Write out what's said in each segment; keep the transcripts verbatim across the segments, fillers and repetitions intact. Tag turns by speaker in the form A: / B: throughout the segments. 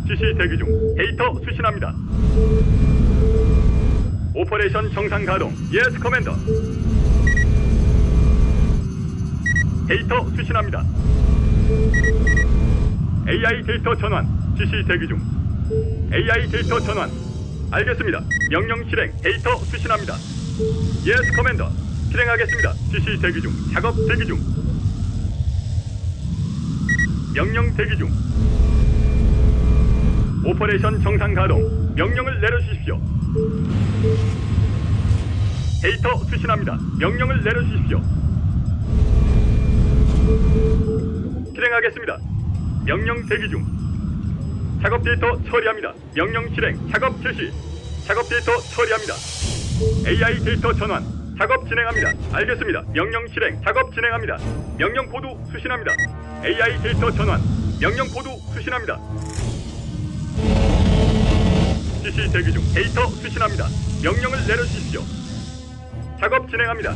A: 지시 대기 중. 데이터 수신합니다. 오퍼레이션 정상 가동. 예스 커맨더. 데이터 수신합니다. 에이아이 데이터 전환. 지시 대기 중. 에이아이 데이터 전환. 알겠습니다. 명령 실행. 데이터 수신합니다. 예스 커맨더. 실행하겠습니다. 지시 대기 중. 작업 대기 중. 명령 대기 중. 오퍼레이션 정상 가동. 명령을 내려주십시오. 데이터 수신합니다. 명령을 내려주십시오. 실행하겠습니다. 명령 대기 중. 작업 데이터 처리합니다. 명령 실행. 작업 실시. 작업 데이터 처리합니다. 에이아이 데이터 전환. 작업 진행합니다. 알겠습니다. 명령 실행. 작업 진행합니다. 명령 코드 수신합니다. 에이아이 데이터 전환. 명령 코드 수신합니다. 지시 대기 중. 데이터 수신합니다. 명령을 내려주십시오. 작업 진행합니다.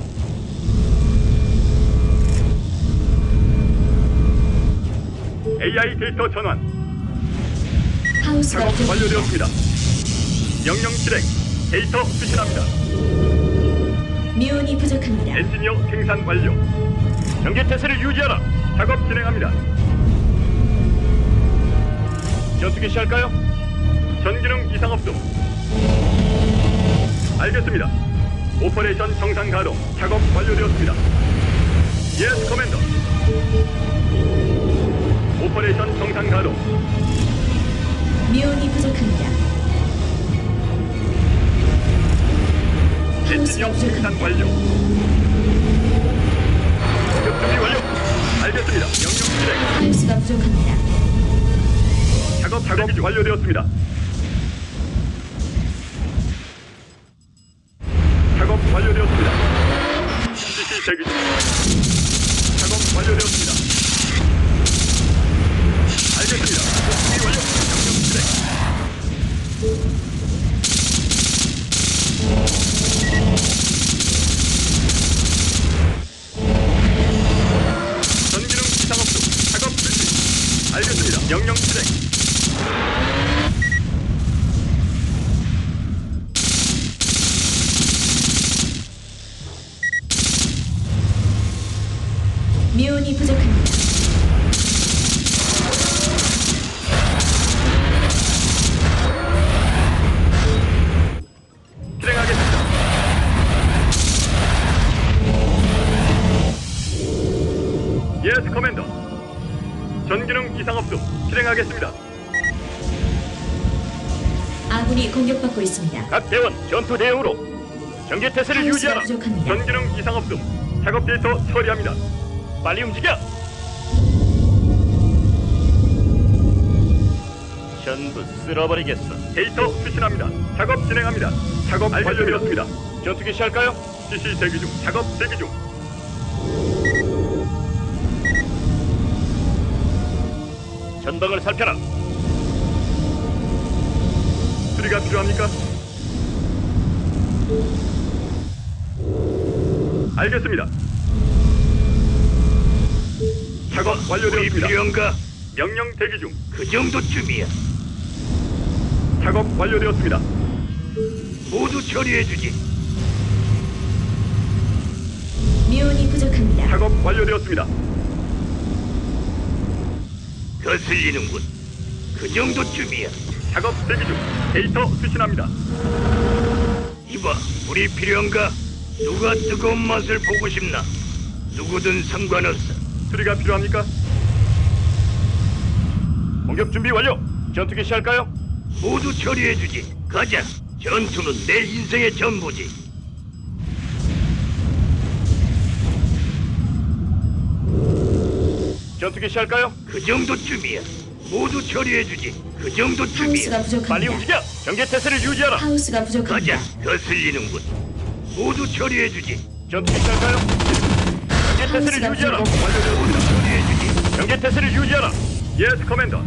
A: 에이아이 데이터 전환.
B: 하우스가
A: 작업
B: 부족합니다.
A: 완료되었습니다. 명령 실행. 데이터 수신합니다.
B: 미온이 부족합니다.
A: 엔지니어 생산 완료. 경계 태세를 유지하라. 작업 진행합니다. 전투기 시할까요? 전기능 이상 없음. 알겠습니다. 오퍼레이션 정상 가동. 작업 완료되었습니다. 예스 커맨더. 오퍼레이션 정상 가동.
B: 미온이 부족합니다.
A: 엔지니어
B: 하우스가
A: 생산
B: 부족합니다.
A: 완료. 공격 준비 완료. 알겠습니다. 명령 실행.
B: 하우스가 부족합니다.
A: 작업 작업 완료되었습니다. 작업 완료되었습니다. 지시 대기 중. 작업 완료되었습니다. 알겠습니다. 준비 완료. 명령 실행. 전기능 이상 없음. 작업 실시. 알겠습니다. 명령 실행.
B: 미온이 부족합니다.
A: 실행하겠습니다. 예스 커맨더. 전기능 이상 없음. 실행하겠습니다.
B: 아군이 공격받고 있습니다.
A: 각 대원 전투 대응으로 경계 태세를
B: 하우스가
A: 유지하라.
B: 부족합니다.
A: 전기능 이상 없음. 작업 데이터 처리합니다. 빨리 움직여. 전부 쓸어버리겠어. 데이터 수신합니다. 작업 진행합니다. 작업 완료되었습니다. 전투기 시할까요? 지시 대기 중. 작업 대기 중. 전방을 살펴라. 수리가 필요합니까? 알겠습니다. 작업 완료되었습니다.
C: 필요한가?
A: 명령 대기 중.
C: 그 정도쯤이야.
A: 작업 완료되었습니다.
C: 모두 처리해주지.
B: 미온이 부족합니다.
A: 작업 완료되었습니다.
C: 거슬리는군. 그 정도쯤이야.
A: 작업 대기 중. 데이터 수신합니다.
C: 이봐, 물이 필요한가? 누가 뜨거운 맛을 보고 싶나? 누구든 상관없어.
A: 수리가 필요합니까? 공격 준비 완료. 전투기 시할까요?
C: 모두 처리해주지. 가자. 전투는 내 인생의 전부지.
A: 전투기 시할까요?
C: 그 정도쯤이야. 모두 처리해주지. 그 정도쯤이야.
B: 하우스가 부족합니다.
A: 빨리 움직여. 경계 태세를 유지하라.
B: 하우스가 부족합니다.
C: 가자. 거슬리는군. 모두 처리해주지.
A: 전투기 시할까요? 경계 태세를
B: 하우스가
A: 유지하라.
B: 부족합니다.
C: 모두 처리해주지.
A: 경계 태세를 유지하라. 예스 커맨더.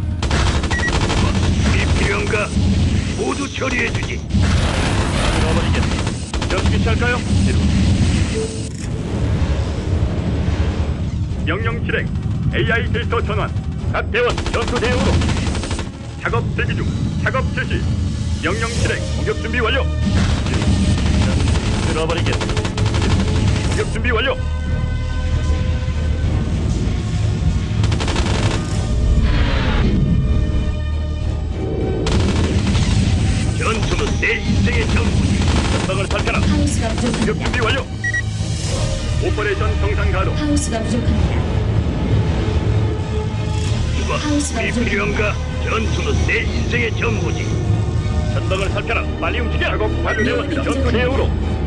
C: 물이 필요한가? 모두 처리해주지.
A: 잃어버리겠습니다. 전투기 시할까요? 명령 실행. 에이아이 데이터 전환. 각 대원 전투 대응으로 작업 대기 중. 작업 실시. 명령 실행. 공격 준비 완료. 들어버리겠다. 공격 준비 완료.
C: 전투는 내 인생의 전부지.
A: 전방을 살펴라.
B: 하우스가
A: 공격
B: 부족합니다.
A: 준비 완료. 오퍼레이션 정상 가동.
B: 하우스가 부족합니다.
C: 이봐,
B: 하우스가
C: 우리
B: 부족합니다.
C: 필요한가? 전투는 내 인생의 전부지.
A: 전방을 살펴라. 빨리 움직여. 작업 완료되었습니다. 전투 대응으로.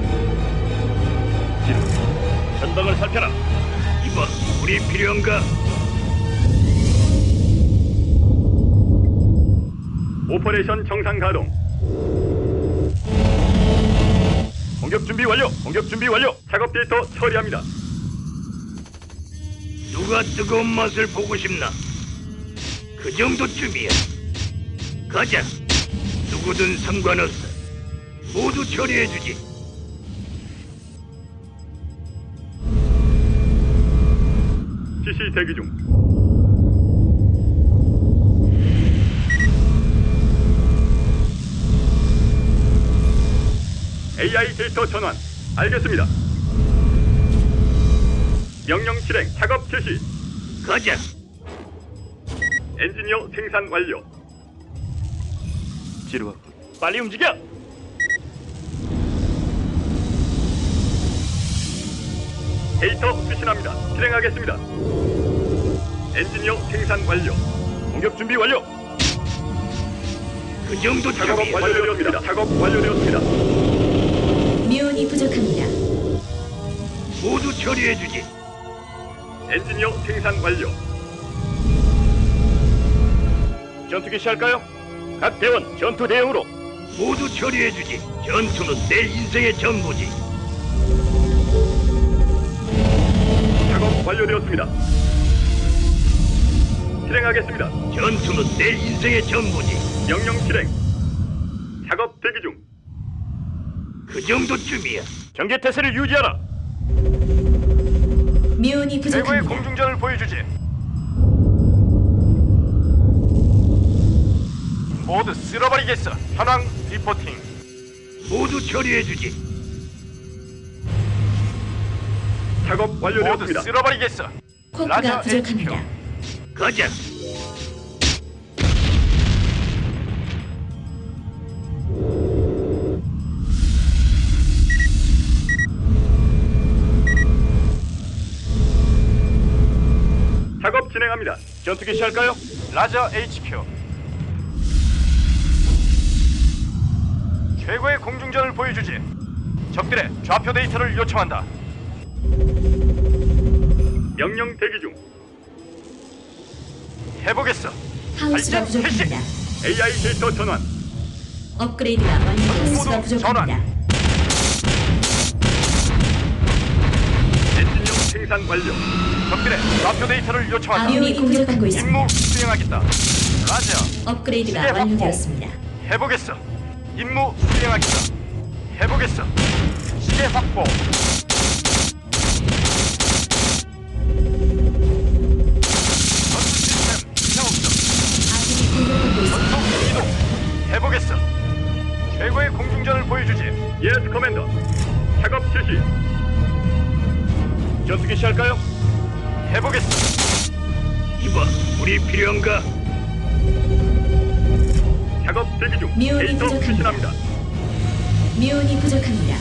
A: 전방을 살펴라.
C: 이봐, 우리 필요한가?
A: 오퍼레이션 정상 가동. 공격 준비 완료. 공격 준비 완료. 작업 데이터 처리합니다.
C: 누가 뜨거운 맛을 보고 싶나? 그 정도쯤이야. 가자. 누구든 상관없어. 모두 처리해주지.
A: 지시 대기 중. 에이아이 데이터 전환. 알겠습니다. 명령 실행. 작업 실시.
C: 가자.
A: 엔지니어 생산 완료. 지루하. 빨리 움직여. 데이터 수신합니다. 실행하겠습니다. 엔지니어 생산 완료. 공격 준비 완료.
C: 그 정도
A: 작업
C: 쯤이야.
A: 완료되었습니다. 작업 완료되었습니다.
B: 미온이 부족합니다.
C: 모두 처리해주지.
A: 엔지니어 생산 완료. 전투기 시할까요? 각 대원 전투 대응으로.
C: 모두 처리해주지. 전투는 내 인생의 전부지.
A: 작업 완료되었습니다. 실행하겠습니다.
C: 전투는 내 인생의 전부지.
A: 명령 실행. 작업 대기 중.
C: 그 정도쯤이야.
A: 경계 태세를 유지하라.
B: 미온이 부족합니다.
A: 공중전을 보여주지. 모두 쓸어버리겠어. 현황 리포팅.
C: 모두 처리해주지.
A: 작업 완료되었습니다. 쓸어버리겠어.
B: 쿼크가 부족합니다.
C: 가자.
A: 작업 진행합니다. 전투기 시할까요? 라저 에이치큐. 최고의 공중전을 보여주지. 적들의 좌표 데이터를 요청한다. 명령 대기 중. 해보겠어.
B: 하우스가
A: 발전
B: 부족합니다.
A: 에이아이 데이터 전환.
B: 업그레이드가 완료되었습니다.
A: 모두 전환.
B: 부족합니다.
A: 엔지니어 생산 완료. 적들의 좌표 데이터를 요청한다.
B: 미온이 공격받고 있습니다.
A: 임무 수행하겠다. 라저.
B: 업그레이드가
A: 시계 확보.
B: 완료되었습니다.
A: 해보겠어. 임무 수행하겠다. 해보겠어. 시계 확보. 전투 시스템 이상 없음.
B: 아군이 공격받고 있습니다.
A: 전투 이동. 해보겠어. 최고의 공중전을 보여주지. 예스 커맨더. 작업 실시. 전투기 시할까요? 해보겠어.
C: 이봐, 우리 필요한가?
A: 작업 대기 중.
B: 미온이
A: 데이터
B: 부족합니다.
A: 수신합니다.
B: 미온이 부족합니다.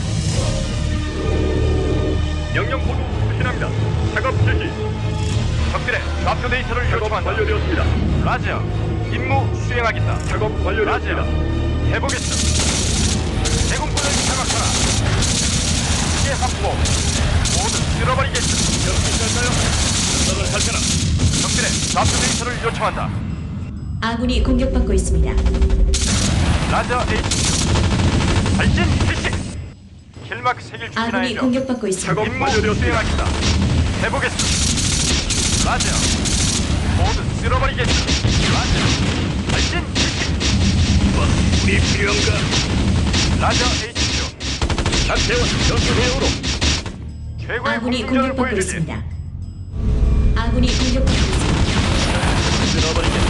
A: 명령 코드 수신합니다. 작업 실시. 적들의 좌표 데이터를 요청한다. 완료되었습니다. 라지아, 임무 수행하겠다. 작업 완료되었습니다. 해보겠어. 제공권을 장악하라. 시계 확보. 모두 쓸어버리겠어. 연습할까요? 전방을 살펴라. 적들의 좌표 데이터를 요청한다.
B: 아군이 공격받고 있습니다.
A: 라저 H. 발진 실시. 킬마크 색일
B: 아군이
A: 준비하여줘.
B: 공격받고 있습니다.
A: 작업 완료되었습니다. 수행하겠다. 해보겠어. 라저. 모두 쓸어버리겠어. 라저. 발진 실시.
C: 이봐, 우리 필요한가?
A: 라저 에이치큐. 각 대원 전투 대응으로. 최고의
B: 아군이
A: 공중전을
B: 공격받고
A: 보여주지.
B: 있습니다. 아군이 공격받고 있습니다.
A: 쓸어버리겠어.